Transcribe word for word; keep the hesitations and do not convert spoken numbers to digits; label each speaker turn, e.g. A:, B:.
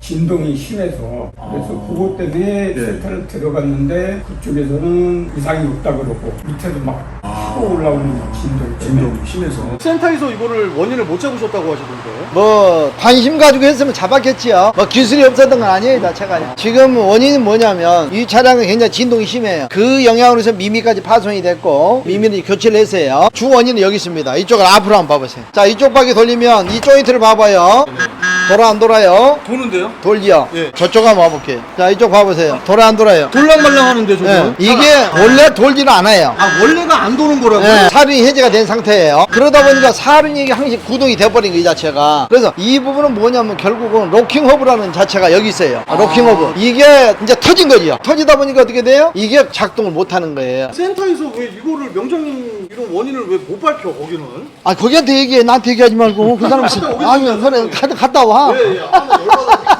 A: 진동이 심해서 그래서
B: 아.
A: 그것 때문에
B: 네.
A: 센터를 들어갔는데 그쪽에서는 이상이 없다 그러고 밑에도 막 하고 올라오는 진동 때문에
B: 진동이 심해서 센터에서 이거를 원인을 못 잡으셨다고 하시던데.
C: 뭐 관심 가지고 했으면 잡았겠지요. 뭐 기술이 없었던 건 아니에요, 이 자체가. 지금 원인은 뭐냐면 이 차량은 굉장히 진동이 심해요. 그 영향으로 해서 미미까지 파손이 됐고 미미를 교체를 했어요. 주 원인은 여기 있습니다. 이쪽을 앞으로 한번 봐보세요. 자, 이쪽 바퀴 돌리면 이 조인트를 봐봐요. 돌아 안 돌아요?
B: 도는데요?
C: 돌려.
B: 예.
C: 저쪽 한번 와볼게요. 자, 이쪽 봐보세요. 돌아 안 돌아요?
B: 돌랑말랑 하는데 저거.
C: 예. 이게 원래 돌지는 않아요.
B: 아 원래가 안 도는 거라고요?
C: 예, 사륜이 해제가 된 상태예요. 그러다 보니까 사륜이 항상 구동이 돼버린 거, 이 자체가. 그래서 이 부분은 뭐냐면 결국은 로킹 허브라는 자체가 여기 있어요. 아, 로킹 허브. 이게 이제 터진 거죠. 터지다 보니까 어떻게 돼요? 이게 작동을 못 하는 거예요.
B: 센터에서 왜 이거를 명장님 이런 원인을 왜 못 밝혀 거기는?
C: 아, 거기한테 얘기해. 나한테 얘기하지 말고. 그 사람,
B: 갔다 오겠습니다,
C: 아니, 그래,
B: 선생님.
C: 갔다, 갔다 와.
B: 예, 예. 아, 나 열받아.